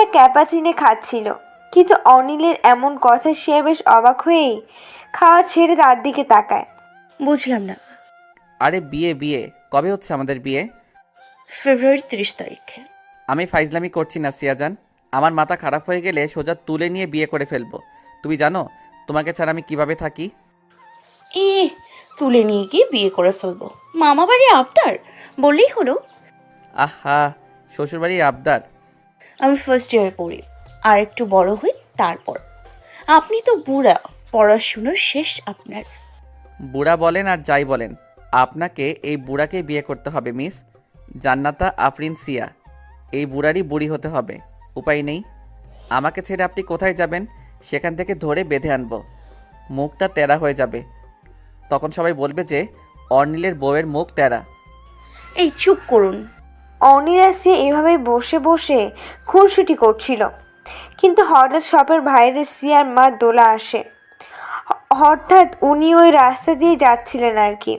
Cappuccino খাচ্ছিল, কিন্তু অনিলের এমন কথা সে বেশ অবাক হয়েই খাওয়া ছেড়ে তার দিকে তাকায়। বুঝলাম না। আরে বিয়ে বিয়ে কবে হচ্ছে আমাদের বিয়ে? ফেব্রুয়ারি 30 তারিখে। আমি ফাইজলামি করছি না সিয়াজান। আমার মাথা খারাপ হয়ে গেলে সোজা তুলে নিয়ে বিয়ে করে ফেলবো। তুমি জানো তোমাকে ছাড়া আমি কিভাবে থাকি? এ তুলে নিয়ে গিয়ে বিয়ে করে ফেলবো? মামা বাড়ি আবদার বললেই হলো। আহা, শ্বশুরবাড়ির আবদার? আমি ফার্স্ট ইয়ারে পড়ি, আর একটু বড় হই তারপর। আপনি তো বুড়া, পড়াশুনো শেষ আপনার। বুড়া বলেন আর যাই বলেন, আপনাকে এই বুড়াকে বিয়ে করতে হবে মিস জান্নাতা আফরিন সিয়া। এই বুড়ারই বুড়ি হতে হবে, উপায় নেই। আমাকে ছেড়ে আপনি কোথায় যাবেন? সেখান থেকে ধরে বেঁধে আনবো। মুখটা তেরা হয়ে যাবে, তখন সবাই বলবে যে অর্নিলের বউয়ের মুখ তেরা। এই চুপ করুন। অনিল আর সিয়া এভাবেই বসে বসে খুনসুটি করছিল, কিন্তু হঠাৎ শপের বাইরে সিয়ার মা দোলা আসে। হঠাৎ উনি ওই রাস্তা দিয়ে যাচ্ছিলেন আর কি।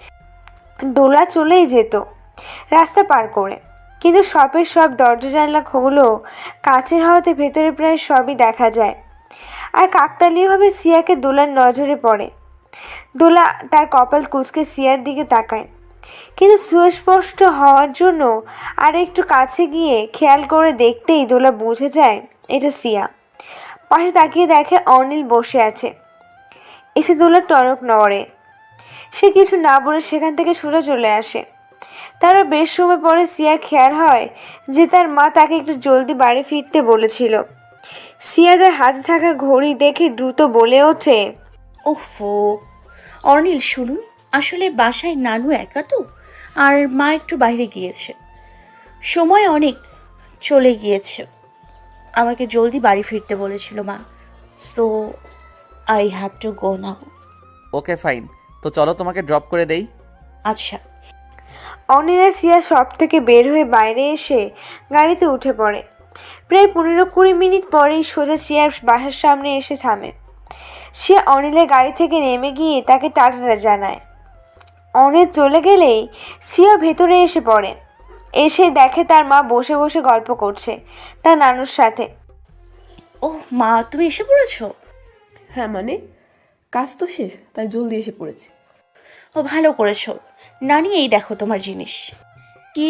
দোলা চলেই যেত রাস্তা পার করে, কিন্তু শপের সব দরজা জানলা খোলো কাচের হওয়াতে ভেতরে প্রায় সবই দেখা যায়। আর কাকতালীয়ভাবে সিয়াকে দোলার নজরে পড়ে। দোলা তার কপাল কুঁচকে সিয়ার দিকে তাকায়, কিন্তু সুস্পষ্ট হওয়ার জন্য আর একটু কাছে গিয়ে খেয়াল করে দেখতেই দোলা বুঝে যায় এটা সিয়া। পাশে তাকিয়ে দেখে অনিল বসে আছে। এসে দোলার টনক নড়ে। সে কিছু না বলে সেখান থেকে সোজা চলে আসে। তারও বেশ সময় পরে সিয়ার খেয়াল হয় যে তার মা তাকে একটু জলদি বাড়ি ফিরতে বলেছিল। সিয়া তার হাতে থাকা ঘড়ি দেখে দ্রুত বলে ওঠে, ওফো অর্নিল শুনুন, আসলে বাসায় নানু একা তো, আর মা একটু বাইরে গিয়েছে, সময় অনেক চলে গিয়েছে। আমাকে জলদি বাড়ি ফিরতে বলেছিল মা, so I have to go now. Okay fine, তো চলো তোমাকে ড্রপ করে দেই। আচ্ছা। অনিল আর সিয়া শপ থেকে বের হয়ে বাইরে এসে গাড়িতে উঠে পড়ে। প্রায় 15-20 মিনিট পরেই সোজা সিয়ার বাসার সামনে এসে থামে। সে অনিলের গাড়ি থেকে নেমে গিয়ে তাকে টাটা জানায়। অনিল চলে গেলেই সিয়া ভেতরে এসে পড়ে। এসে দেখে তার মা বসে বসে গল্প করছে তার নানুর সাথে। ওহ মা, তুমি এসে পড়েছো? হ্যাঁ মানে, কাজ তো শেষ তাই জলদি এসে পড়েছি। ও ভালো করেছো। নানি, এই দেখো তোমার জিনিস। কি?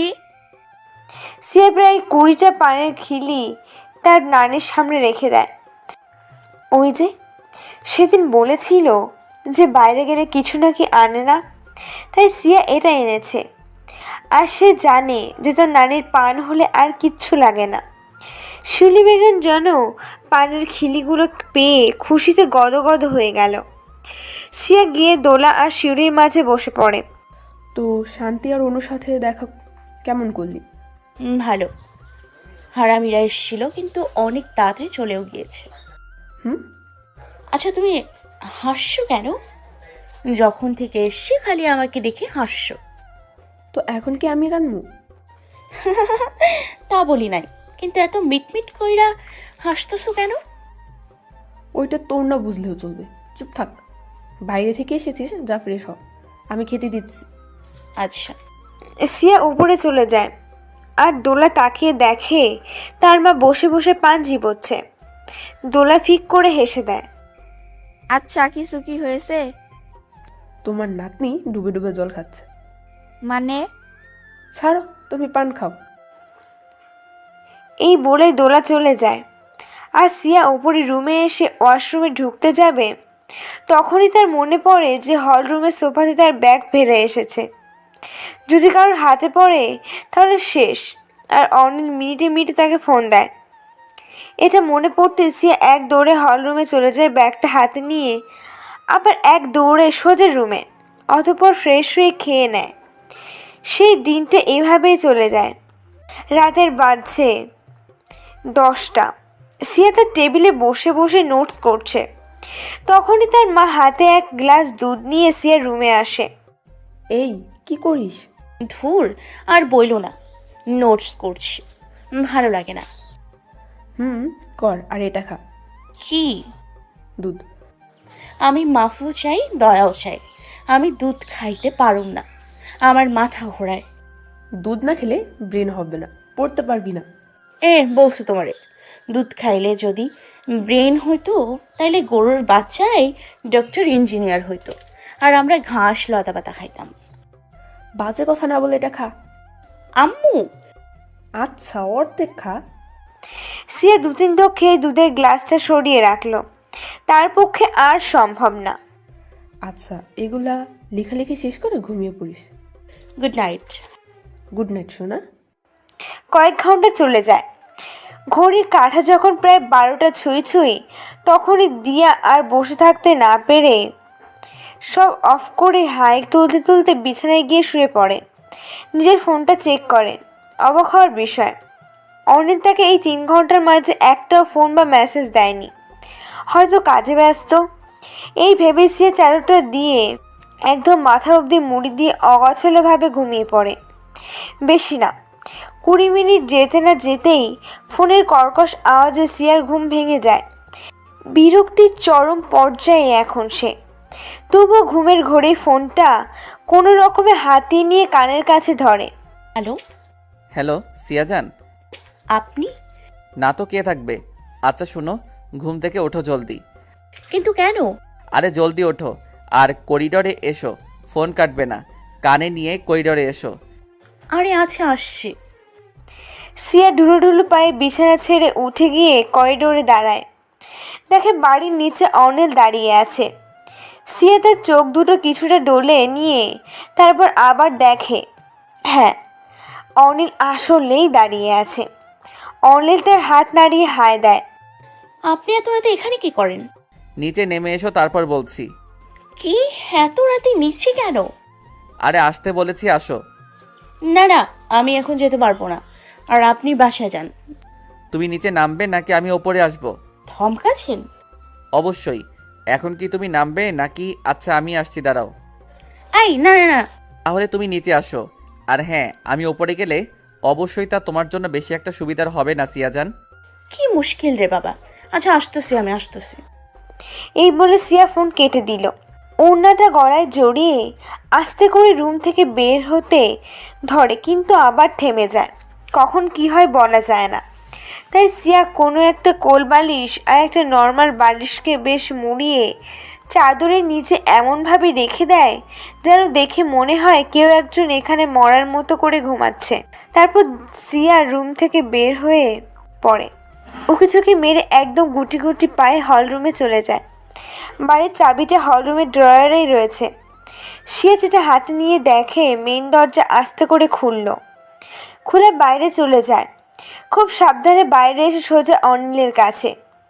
সিয়া প্রায় 20টা পানের খিলি তার নানির সামনে রেখে দেয়। ওই যে সেদিন বলেছিল যে বাইরে গেলে কিছু নাকি আনে না, তাই সিয়া এটা এনেছে। আর সে জানে যে তার নানির পান হলে আর কিচ্ছু লাগে না। শিউলি বেগম যেন পানের খিলিগুলো পেয়ে খুশিতে গদগদ হয়ে গেল। সিয়া গিয়ে দোলা আর শিউলির মাঝে বসে পড়ে। তো শান্তি আর অনুর সাথে দেখা কেমন করলি? ভালো। হারামিরা এসেছিল, কিন্তু অনেক তাড়াতাড়ি চলেও গিয়েছে। হুম? আচ্ছা, তুমি হাসছো কেন? যখন থেকে এসছি খালি আমাকে দেখে হাসছো। তো এখন কি আমি কানমু? তা বলি নাই, কিন্তু এত মিটমিট কইরা হাসতেছো কেন? ওইটা তোর না বুঝলেও চলবে, চুপ থাক। বাইরে থেকে এসেছিস, যা ফ্রেশ হ, আমি খেতে দিচ্ছি। আচ্ছা। সিয়া উপরে চলে যায় আর দোলা তাকিয়ে দেখে তার মা বসে বসে পান চিবোচ্ছে। দোলা ফিক করে হেসে দেয়। আচ্ছা, কিছু কি হয়েছে? তোমার নাতনি ডুবে ডুবে জল খাচ্ছে। মানে? ছাড়ো, তুমি পান খাও। এই বলে দোলা চলে যায়। আর সিয়া ওপরে রুমে এসে ওয়াশরুমে ঢুকতে যাবে, তখনই তার মনে পড়ে যে হল রুমের সোফাতে তার ব্যাগ ফেলে এসেছে। যদি কারোর হাতে পড়ে তাহলে শেষ। আর অনিল মিনিটে মিনিটে তাকে ফোন দেয়। এটা মনে পড়তে সিয়া এক দৌড়ে হল রুমে চলে যায় ব্যাগটা হাতে নিয়ে, আবার এক দৌড়ে সোজা রুমে, অতঃপর ফ্রেশ হয়ে খেয়ে নেয়। সেই দিনটা এভাবেই চলে যায়। রাতের বাজছে 10টা। সিয়া তার টেবিলে বসে বসে নোটস করছে। তখনই তার মা হাতে এক গ্লাস দুধ নিয়ে সিয়ার রুমে আসে। এই কি করিস? ধুর, আর বইলো না, নোটস করছি, ভালো লাগে না। কর, আর এটা খা। কি? দুধ। আমি মাফু চাই, দয়াও চাই। আমি দুধ খাইতে পারুম না, আমার মাথা ঘোরায়। দুধ না খেলে ব্রেন হবে না, পড়তে পারবি না। বলছো তোমারে, দুধ খাইলে যদি ব্রেন হইতো তাইলে গরুর বাচ্চারাই ডক্টর ইঞ্জিনিয়ার হইতো, আর আমরা ঘাস লতা পাতা খাইতাম। বাজে কথা না বলে এটা খা। আম্মু, আচ্ছা অর্ধেক খা। সিয়া 2-3 ঢোক খেয়ে দুধের গ্লাসটা সরিয়ে রাখলো। তার পক্ষে আর সম্ভব না। আচ্ছা এগুলা লেখালেখি শেষ করে ঘুমিয়ে পড়িস। Good night. গুড নাইট সোনা। কয়েক ঘন্টা চলে যায়। ঘড়ির কাঁটা যখন প্রায় 12টা ছুঁই তখনই দিয়া আর বসে থাকতে না পেরে সব অফ করে হাই তুলতে তুলতে বিছানায় গিয়ে শুয়ে পড়ে। নিজের ফোনটা চেক করে। অবাক হওয়ার বিষয়, অনিল তাকে এই 3 ঘন্টার মাঝে একটাও ফোন বা মেসেজ দেয়নি। হয়তো কাজে ব্যস্ত। এই ভেবে সিয়া চাদরটা দিয়ে একদম মাথা অবধি মুড়ি দিয়ে অগোছালোভাবে ঘুমিয়ে পড়ে। বেশি না, 20 মিনিট যেতে না যেতেই ফোনের কর্কশ আওয়াজে সিয়ার ঘুম ভেঙে যায়। বিরক্তির চরম পর্যায়ে এখন সে। তবুও ঘুমের ঘোরেই ফোনটা কোনো রকমে হাতিয়ে নিয়ে কানের কাছে ধরে। হ্যালো, হ্যালো সিয়াজান। আপনি? না তো কে থাকবে। আচ্ছা শুনো, ঘুম থেকে ওঠো জলদি। কিন্তু কেন? আরে জলদি ওঠো আর করিডোরে এসো। ফোন কাটবে না, কানে নিয়ে করিডোরে এসো। আরে আচ্ছা আসছি। সিয়া ঢুলু ঢুলু পায়ে বিছানা ছেড়ে উঠে গিয়ে করিডোরে দাঁড়ায়। দেখে বাড়ির নিচে অনিল দাঁড়িয়ে আছে। সিয়া তার চোখ দুটো কিছুটা ডলে নিয়ে তারপর আবার দেখে, হ্যাঁ, অনিল আসলেই দাঁড়িয়ে আছে। অনিল তার হাত নাড়িয়ে হায় দেয়। আপনি এত রাতে এখানে কি করেন? নিচে নেমে এসো তারপর বলছি। কি এত রাতে নিচে কেন? আরে আসতে বলেছি, আসো। না না, আমি এখন যেতে পারবো না, আর আপনি বাসায় যান। তুমি নিচে নামবে নাকি আমি ওপরে আসবো? ধমকাছেন? অবশ্যই। এখন কি তুমি নামবে নাকি? আচ্ছা আমি আসছি, দাঁড়াও। এই না না না। তাহলে তুমি নিচে আসো। আর হ্যাঁ, আমি ওপরে গেলে অবশ্যই তা তোমার জন্য বেশি একটা সুবিধার হবে না সিয়াজান। কি মুশকিল রে বাবা। আচ্ছা আসতেছি, আমি আসতেছি। এই বলে সিয়া ফোন কেটে দিল। ওড়নাটা গলায় জড়িয়ে আস্তে করে রুম থেকে বের হতে ধরে, কিন্তু আবার থেমে যায়। কখন কি হয় বলা যায় না। তাই সিয়া কোনো একটা কোল বালিশ আর একটা নর্মাল বালিশকে বেশ মুড়িয়ে চাদরের নিচে এমনভাবে রেখে দেয় যেন দেখে মনে হয় কেউ একজন এখানে মরার মতো করে ঘুমাচ্ছে। তারপর সিয়া রুম থেকে বের হয়ে পড়ে। উকি চোখে মেরে একদম গুটি গুটি পায়ে হলরুমে চলে যায়। বাড়ির চাবিটা হলরুমের ড্রয়ারেই রয়েছে। সিয়া সেটা হাতে নিয়ে দেখে মেইন দরজা আস্তে করে খুলে বাইরে চলে যায়। খুব সাবধানে বাইরে এসে সোজা অনিলের কাছে।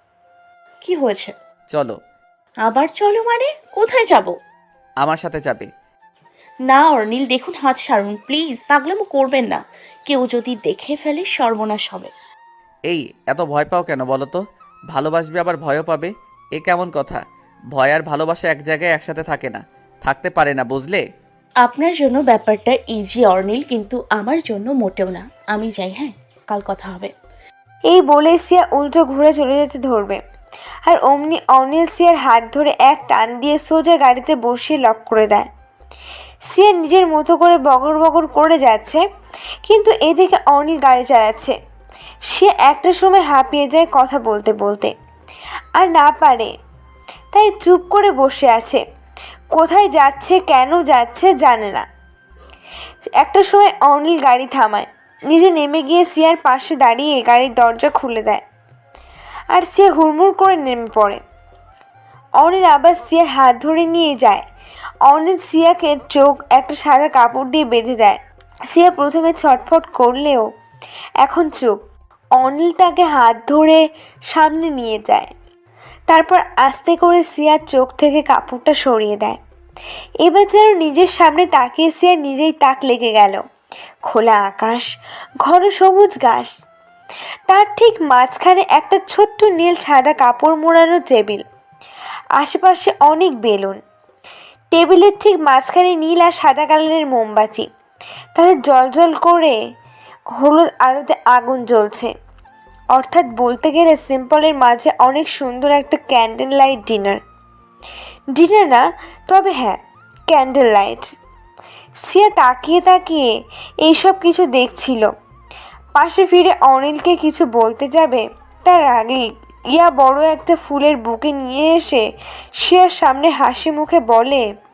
কি হয়েছে? চলো। আবার চলো মানে? কোথায় যাব? আমার সাথে যাবে। না অর্নিল, দেখুন হাত সারুন প্লিজ, পাগলামো করবেন না। কেউ যদি দেখে ফেলে সর্বনাশ হবে। এই এত ভয় পাও কেন বলো তো? ভালোবাসবে আবার ভয়ও পাবে, এ কেমন কথা? ভয় আর ভালোবাসা এক জায়গায় একসাথে থাকে না, থাকতে পারে না, বুঝলে? আপনার জন্য ব্যাপারটা ইজি অর্নিল, কিন্তু আমার জন্য মোটেও না। আমি যাই, হ্যাঁ, কাল কথা হবে। এই বলে সিয়া উল্টো ঘুরে চলে যেতে ধরবে, আর অমনি অনিল সিয়ার হাত ধরে এক টান দিয়ে সোজা গাড়িতে বসিয়ে লক করে দেয়। সিয়া নিজের মতো করে বগর বগর করে যাচ্ছে, কিন্তু এদিকে অনিল গাড়ি চালাচ্ছে। সে একটা সময় হাঁপিয়ে যায় কথা বলতে বলতে, আর না পারে, তাই চুপ করে বসে আছে। কোথায় যাচ্ছে, কেন যাচ্ছে জানে না। একটা সময় অনিল গাড়ি থামায়, নিজে নেমে গিয়ে সিয়ার পাশে দাঁড়িয়ে গাড়ির দরজা খুলে দেয়, আর সিয়া হুড়মুড় করে নেমে পড়ে। অনিল আবার সিয়ার হাত ধরে নিয়ে যায়। অনিল সিয়াকে চোখ একটা সাদা কাপড় দিয়ে বেঁধে দেয়। সিয়া প্রথমে ছটফট করলেও এখন চুপ। অনিল তাকে হাত ধরে সামনে নিয়ে যায়, তারপর আস্তে করে সিয়ার চোখ থেকে কাপড়টা সরিয়ে দেয়। এবার যেন নিজের সামনে তাকিয়ে সিয়ার নিজেই তাক লেগে গেল। খোলা আকাশ, ঘন সবুজ ঘাস, তার ঠিক মাঝখানে একটা ছোট্ট নীল সাদা কাপড় মোড়ানো টেবিল, আশেপাশে অনেক বেলুন। টেবিলের ঠিক মাঝখানে নীল আর সাদা কালারের মোমবাতি, তাদের জলজল করে হলুদ আলোতে আগুন জ্বলছে। অর্থাৎ বলতে গেলে সিম্পলের মাঝে অনেক সুন্দর একটা ক্যান্ডেল লাইট ডিনার না, তবে হ্যাঁ, ক্যান্ডেল লাইট। সিয়া তাকিয়ে তাকিয়ে এইসব কিছু দেখছিল। পাশে ফিরে অনিলকে কিছু বলতে যাবে, তার আগেই ইয়া বড় একটা ফুলের বুকে নিয়ে এসে শিয়ার সামনে হাসি মুখে বলে,